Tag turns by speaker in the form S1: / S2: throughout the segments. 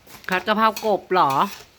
S1: ผัดกะเพรากบเหรอ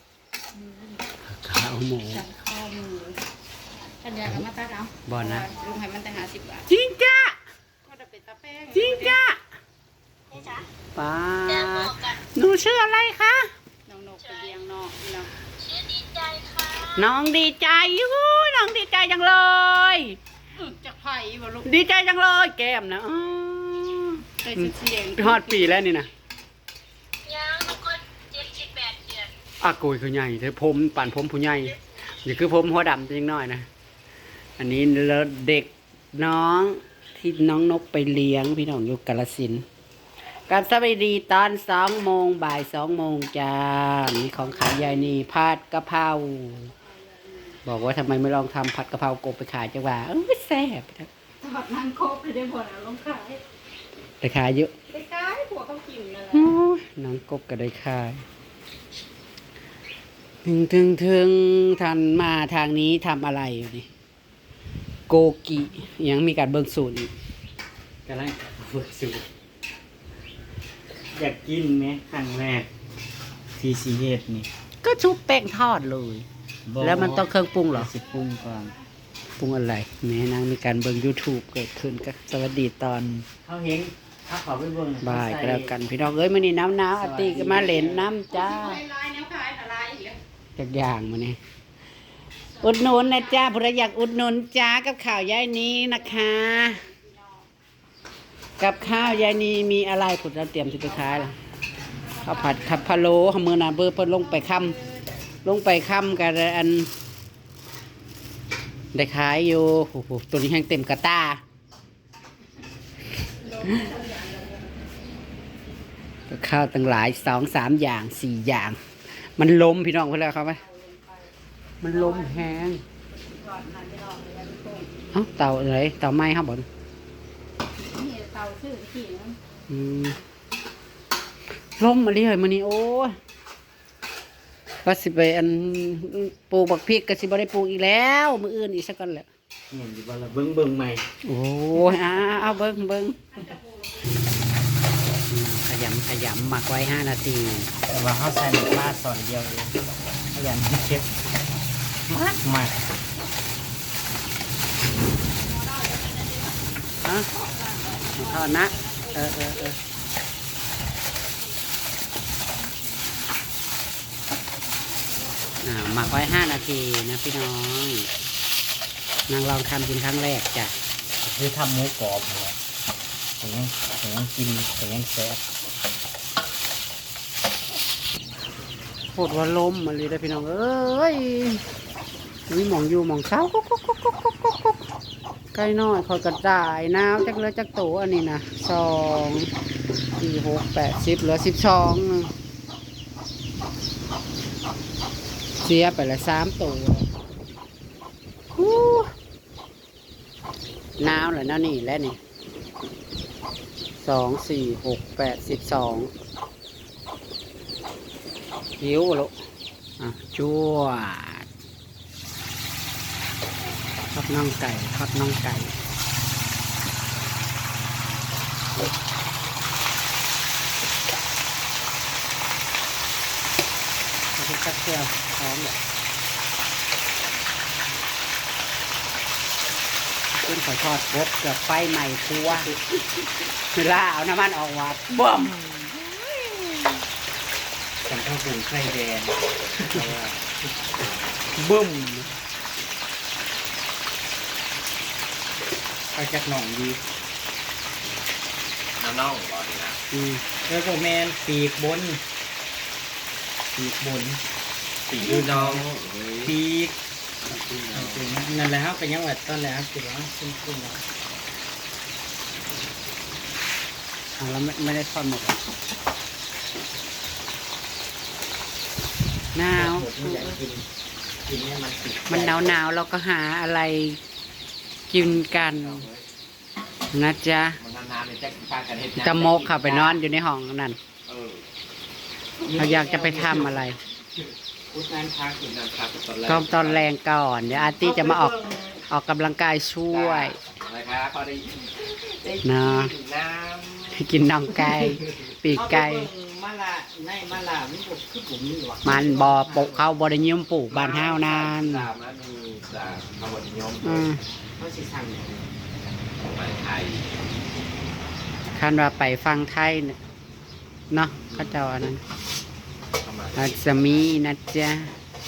S1: ข้าวหมู
S2: สั่งข้อมือกันยากับมาตัดเอา
S1: บ่นะ
S2: ลุงให้มันแต่50 บาท
S1: จริงจ้ะ
S2: ก็จะเป็นตาแป้ง
S1: จริงจ้ะ
S2: นี่จ้ะ
S1: ป้าหนูชื่ออะไรคะ
S2: น้องนกไปเลี้ยงน้องพี่น้อง
S1: น้องดีใจน้องดีใจจังเลย
S2: จากไผ่บ่ลูก
S1: ดีใจจังเลยแก้มนะอ๋อ
S2: ได้เสียง
S1: ฮอดปีแล้วนี่นะ
S3: ยังทุกคน78 เดือน
S1: อาโกยคือใหญ่เธอผมปั่นผมผู้ใหญ่นี่คือผมหัวดำจริงน้อยนะอันนี้แล้วเด็กน้องที่น้องนกไปเลี้ยงพี่น้องอยู่กาฬสินธุ์กับสวัสดีตอน2 โมงบ่าย 2 โมงจ้ามีของขายยายนี่ผัดกะเพราบอกว่าทำไมไม่ลองทำผัดกะเพรากบไปขายจังหวะแซ่บ
S2: ทอดนางครบเลยได้บ่นะลงขาย
S1: ไปขายเยอะ
S2: ได้ขายผัวเขากินนั่นแหละ
S1: โอ้ยน้องกบก็ได้ขายถึงทันมาทางนี้ทำอะไรอยู่นี่โกกิยังมีการเบิกสูตรอีก
S4: กำลังฝึกสูตรอยากกินไหมครั้งแรกที่ซีเฮ็ดนี่
S1: ก็ชุบแป้งทอดเลย แล้วมันต้องเครื่องปรุงเหรอ
S4: สิปรุงก่อน
S1: ปรุงอะไรแม่นางมีการเบิ่ง YouTube เกิดขึ้นก็สวัสดีตอน
S4: เขาเห็นเขาขอไปเบิ่ง
S1: บ่ายก็แล้วกันพี่น้องเอ้ยมื้อนี้หนาวๆอาติก็มาเล่นน้ำจ้า
S2: ลายแนวขายละลายอีกแล้ว
S1: จักอย่างมื้อนี้อุดหนุนนะจ้าผู้ใดอยากอุดหนุนจ้ากับข้าวยายนี้นะคะ กับข้าวยายนี้มีอะไรผุดเราเตรียมสิไปขายล่ะข้าวผัดขับพะโล้มื้อน่ะเบอร์เพิ่นลงไปค่ำกันอันได้ขายอยู่โอ้โหตัวนี้แห้งเต็มกระตากับข้าวตั้งหลาย2-3 อย่าง4 อย่าง มันล้มพี่น้องเพื่อนแล้วครับไหมมันล้มแห้งเอ้าเต่าอะไรเต่าไม้ครับบอล
S2: นี่เตาชื่อขี้มัน
S1: ล้มมาเลยมันนี่โอ้ยก็สิไปอันปลูกบักพริกก็สิบ่ได้ปลูกอีกแล้วมืออื่นอีกสักก่อนแหละ
S4: เห็นอยู่บ่ล่ะเบิ่งใหม่
S1: โอ้ยเอาเบิ้งขยำหมักไว้5 นาที
S4: แต่ว่าเขาใส่น้ำปลาตอนเดียวเองขยันเช็ดมาก
S1: ฮะทอดนะหมักไว้5 นาทีนะพี่น้องนางลองทำกินครั้งแรกจ้ะ
S4: คือทำหมูกรอบเนี่ยแต่ยังกินแต่ยังแซ่บ
S1: โคตรว่าล้มมาเลยได้อพี่น้องเอ้ยมีหมองอยู่หมองเช้ากุ๊กใกล้น้อยคอยกระจายน้ำจักเลือจักโตอันนี้นะ2 4 6 8 10เหลือ12เสียไปละ3 ตัวน้ำเหรอน้านี่และนี่2 4 6 8 12หิวลูกจั่วทอดน่องไก่เอาไปตักเที่ยวพร้อมเลยขึ้นขอทอดกบกับไฟใหม่ครัวเวลาเอาน้ำมันออกวัดบ่ม
S4: ฉันข้าวปรุงไข่แดงเพราะว่า
S1: บึ้ม
S4: เอาจากหนองดี
S5: น้องๆบอกดีนะ
S4: แล้วก็แมนปีกบน
S5: สีน้อง
S4: ปีกนั่นแหละครับเป็นยังไงตอนแรกคือว่าขึ้นแล้ว
S1: เราไม่ได้ทอดหมดหนาว
S4: ผมอยากกินเนี่ยมันติด
S1: มันหนาวเราก็หาอะไรกินกันนะจ๊ะ
S5: มันนานๆเลยแจ็คพากันเฮ็ด
S1: ตะมกค่ะไปนอนอยู่ในห้องนั่น
S5: เออ
S1: เราอยากจะไปทำอะไร
S4: พุทธนั้นพัก
S5: กินน้ำคาตอนแรก
S1: ก็ตอนแรงก่อนเดี๋ยวอาร์ตี้จะมาออกกำลังกายช่วย
S5: อะไรครับพอได้ได้
S1: นะ
S5: กินน้ำ
S1: กินน่องไก่ปีกไก่
S4: มาละในมาลามันบ่คือผมนี่หว่า
S1: มันบ่ปลูกเขาบ่ได้นิยมปลูกบ้านเฮานาน
S5: ตามนั้นมีจากคำว่านิยม
S1: อืม
S4: เขาสิสั่งอย่างนี้
S5: ของไปไทย
S1: คันว่าไปฟังไทยเนี่ยเนาะเขาเจ้าอันนั้น
S5: เข้ามา
S1: อาจจะมีนะจ๊ะ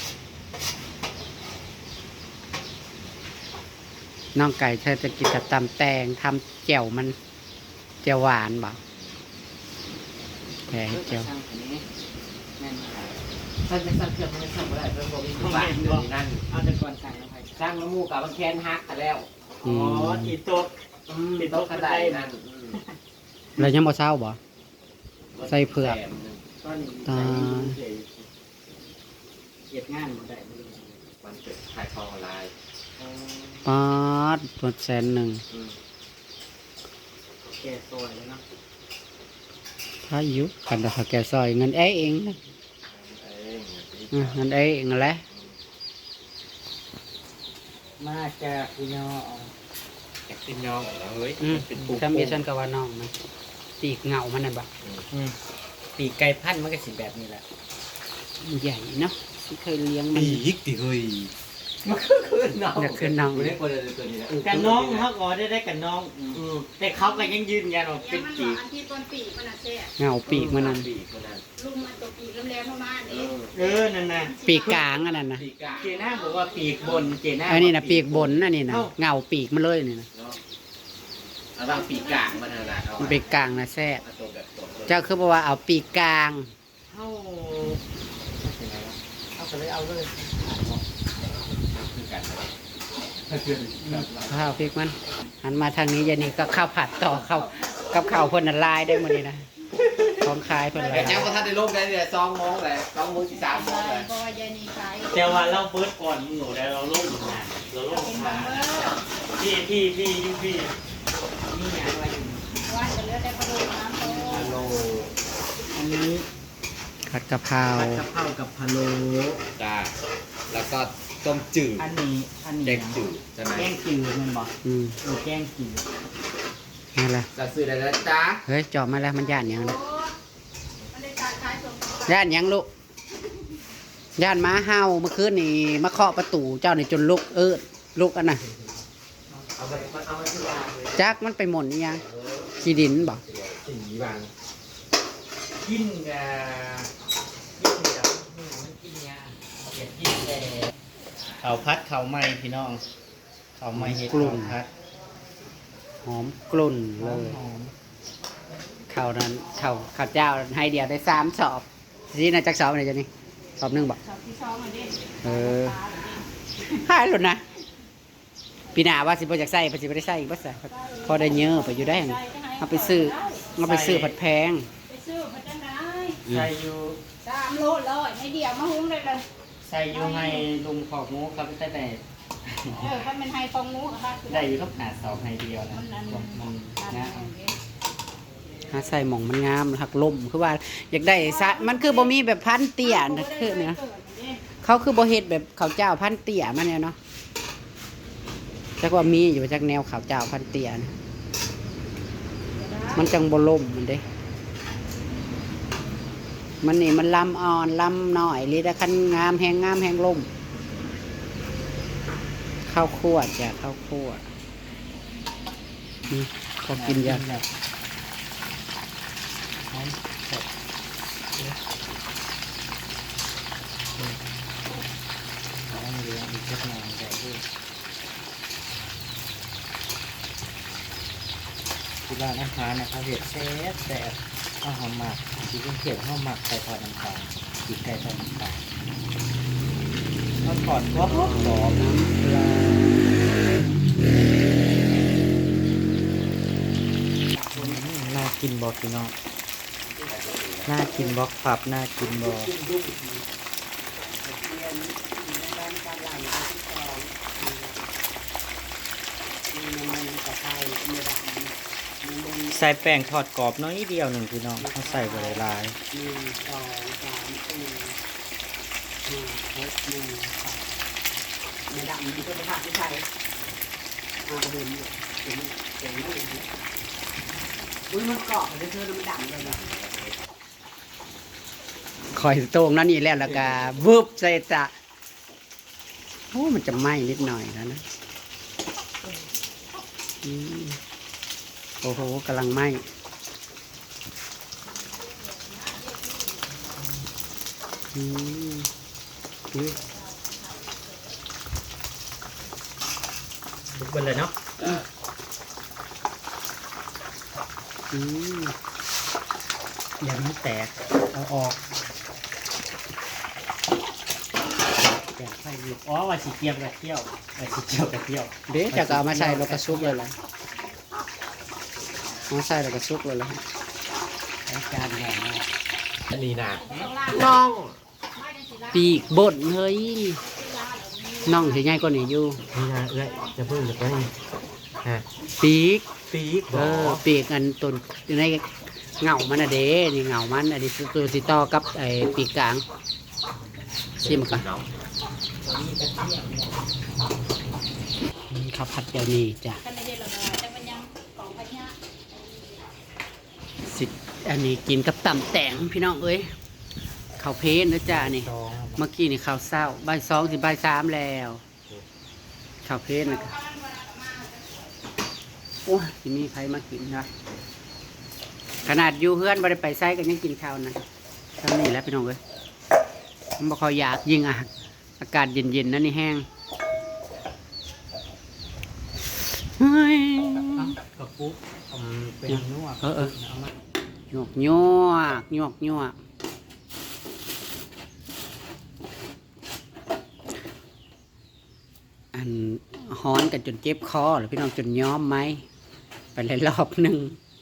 S1: น้องไก่เธอจะกินกับตำแตงทำแจ่วมันแจ่วหวานบ่แกงแจ่ว
S4: สั่งอันนี้แม่นบ่
S5: ท่านจะสั่งเครื่องไม่สั่งไม่ได้เพิ่มบอกมีอยู่บ้านเดี๋ยวนี้นั่น
S4: เอาแต่ก่อนสั่งแล้วไป
S5: สร้างน้ำมูกกับมันแคนฮักกันแล้ว
S4: อ๋อที่โต๊ะ
S5: เป็นโต๊ะกระไดนั่น
S1: แล้วยังบ่เศร้าบ่ ใส่เผือก
S4: ตอนนี้
S1: ตา
S4: เก็บงานบ่ได้บ่ได้
S5: มันเกิดขายทองออนไลน์
S4: อ๋อ
S1: ป๊าดตัว100,000
S4: แก่ซอยแล้วเนาะ
S1: ถ้าอยู่กันแต่เขาแกซอยเงินเอ้เองนะ เงินเอ้เองนั่นแหละ
S4: มาจากพี่น้อง
S5: อยากกินน้องเหรอเฮ้ยเป็นปู
S1: ถ้ามีฉันก็ว่าน้องมันปีกเหงามันน่ะบ่
S4: ปีกไก่พันธุ์มันก็สิแบบนี้แหละ
S1: ใหญ่เนาะที่เคยเลี้ยงมัน
S5: ปีกติเฮ้ยมันคือน้อง
S1: อยากขึ้นน้อง
S5: ไม่ได้คนเลยตัวนี้นะ
S4: กันน้องเขาก็ได้กันน้องแต่เขาก็ยังยืนยันว่า
S2: ยั
S4: เป็
S2: ง
S4: น
S2: มัน
S4: ปีก
S2: อันที่ต้นปีมันน่ะแซ่บ
S1: เหงาปีกมันนั่น
S5: ปีกมันนั่น
S2: ลุงมันตัวปีกแหลมๆประมาณนี้
S4: นั่นน่ะ
S1: ปีกกลางอันนั้นนะ
S5: ปีกกา
S4: เจน่าบอกว่าปีกบนเจน่า
S1: อันนี้นะปีกบนอันนี้นะเหงาปีกมันเลยนี่นะ
S5: เนาะเอาบางปีกกลางมันนั่นแหละเอา
S1: มันปีกกลางนะแซ่บ
S5: เอาตัวแบบตัว
S1: เจ้าคือบอกว่าเอาปีกกลาง
S4: เข้าเอาไปเลยเอาเลย
S5: คือกัน
S1: ข้าวพริกมันหันมาทางนี้ยานี่ก็ข้าวผัดต่อข้าวกับข้าวเพิ่นน่ะลายได้หมดนี่นะของขายเพิ่น
S5: แต่
S1: ลาย
S5: ยังว่าท่านได้ลงได้เนี่ย2 โมงเลย2 โมงที่3 โมงเลย
S2: บ่ยายนี่ขาย
S4: แต่ว่าเราเบิร์ดก่อนหนูแล้วเราลงอยู่นานเราลง
S2: เป็น
S4: มา
S2: บังเบอร์
S4: พี่นี่อย่างไรอยู่
S2: ว่าจะเหลือแต่กระดูกน้ำโต
S5: ฮัลโหล
S4: อันนี้
S1: ผัดกะเพรา
S4: ผัดกะเพรากับพะโล้
S5: จ้าแล้วก็ต้มจืด
S4: อันนี้
S5: แกงจืดใช่ไหม
S4: แกงจืดมันบอก แกงจืด
S1: นี่แหละ
S5: จะซื้อได้แล้วจ้า
S1: เฮ้ยจอดมาแล้วมันย่านหยังนะ
S2: มันได้การขายส่ง
S1: ย่านหยังลูกย่านหม้าเห่าเมื่อคืนนี่มาเคาะประตูเจ้านี่จนลุกลุกอันน่ะ
S5: เอาไปซื้อยาเลย
S1: จักมันไปหม่นอีหยังขี้ดินบ่
S5: สีบาง
S4: กินกับกินกับมันกินยาเก็บกินแต่เขาพัดเขาไหม้พี่น้องเขาไหม้เห็ดเขาพัด
S1: หอมกลุ่นเลย
S4: หอม
S1: ข้าวนั้นข้าวเจ้าให้เดียวได้3 สอบสินะจักสอบนี่จ้ะนี่สอบหนึงบ่
S2: ชอบที่ชอบมาเด่น
S1: เออหายหลุดนะปีหน้าว่าสิบ่อยากใส่บ่สิบ่ได้ใส่อีกบ่ใส่พอได้เยอะไปอยู่ได้หั่นเอาไปซื้อผัดแพง
S2: ไปซื้อมาจังได๋
S4: ใส่อยู่
S2: 3 โลเลยให้เดียวมาหุงได้เลย
S4: ใส่อยู่ให้ลุงขอบงูครับแต่
S2: ถ้ามันให้ฟองหมูค่ะ
S4: ได้อยู่ต้องหาเสาให้เดียวนะ
S2: มันนั้น
S4: มันนะ
S1: หาใส่หม่องมันงามหักลมคือว่าอยากได้ซะมันคือบ่มีแบบพันเตี้ยนะคือเนี่ยเขาคือบ่เฮ็ดแบบข้าวเจ้าพันเตี้ยมันเนี่ยเนาะจักว่ามีอยู่จักแนวข้าวเจ้าพันเตี้ยนะมันจังบ่ล่มมันเด้มันนี่มันลำอ่อนลำน้อยลิแต่คันงามแห้งล่มข้าวคั่วจ้ะข้าวคั่วนี่พอกินยาก
S4: ที่ร้านอาหารนะครับเห็ดแซ่บแซ่บอาหารหมักที่เป็นเขียวข้าวหมักไก่ทอดน้ำตาลอีกไก่ทอดน้ำตาลข้าวทอดก็หอมน้ำปลาน่ากินบอกพี่น้องน่ากินบอกผับน่ากินบอก ใส่แป้งทอดกรอบน้อยเดียวหนึ่งพี่น้องเขาใส่ไปหลาย
S1: ไม่ดำมันก็จะผ่านที่ไทยมาเดินอยู่เก่งอุ้ยมันเกาะเลยเธอมันดำเลยนะคอยโตงนั่นนี่แล้วก็วึบใส่ตะโอ้มันจะไหม้นิดหน่อยแล้วนะอืมโอ้โหกำลังไหม้อืมอุ้ย
S4: ทุกคนเลยเนาะ
S1: อืม
S4: อย่ามันแตกเอาออกแตกไฟอยู่อ๋อว่าสีเกียวกระเที่ยวว่าสีเกียวกระเที่ยว
S1: เดี๋ยวจะเอามาใส่แล้วก็ซุกเลยล่ะมาใส่แล้วก็ซุกเลยล่ะ
S4: อาจารย์อย่างนี้
S5: อันนี้นะ
S1: น้องปีกบดเฮ้ยน้องสิใหญ่กว่านี้อยู่
S5: นี่นะเอ้ยจะเพิ่มจะไปฮะ
S1: ปีก
S5: ปีก
S1: เออปีกอันต้นอยู่ในเงามันอะเด้นี่เงามันอันนี้ตัวสิต่อกับไอ้ปีกกลางชิมก่อน
S5: เนาะ
S1: ข้าวผัดเดี๋ยวนี้จ้ะ
S2: กันไม่ได้หรอกแต่มันยังของพญา
S1: สิอันนี้กินกับตำแตงพี่น้องเอ้ยข้าวเพลนนะจ้านี่
S4: สอง
S1: เมื่อกี้นี่ข้าวเศร้าบ่ายสองถึงบ่ายสามแล้วข้าวเพลนนะครับโอ้ยที่มีใครมากินนะขนาดอยู่เฮือนบ่ได้ไปไซก็ยังกินข้าวนะทำนี่แหล้วพี่น้องเอ้ยมันบ่ค่อยอยากยิ่งอากาศเย็นๆนั่นนี่แห้งเฮ้ย
S4: กระปุกเป็นนวด
S1: เออ
S4: เอามา
S1: หยวกหยวกอันฮ้อนกันจนเจ็บคอหรือพี่น้องจนย้อมไหมไปเลยรอบหนึ่ง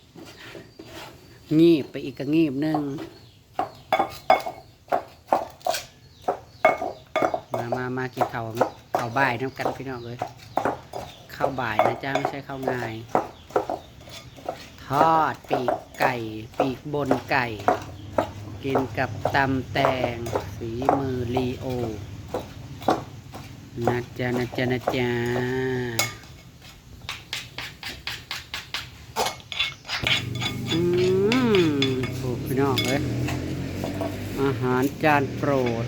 S1: งีบไปอีกก็งีบหนึ่งมากินข้าวบ่ายน้ำกันพี่น้องเลยข้าวบ่ายนะจ้าไม่ใช่ข้าวงายทอดปีกไก่ปีกบนไก่ กินกับตำแตงฝีมือลีโอนะจ๊ะถูกพี่น้องเลยอาหารจานโปรด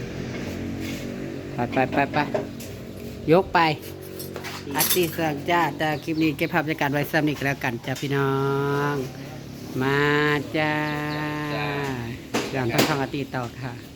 S1: ไปยกไปอาร์ติสั่งจ้าแต่คลิปนี้เก็บภาพบรรยากาศไว้ซ้ำอีกแล้วกันจ้าพี่น้องมาจ้าอย่างต้องทำอาร์ติต่อค่ะ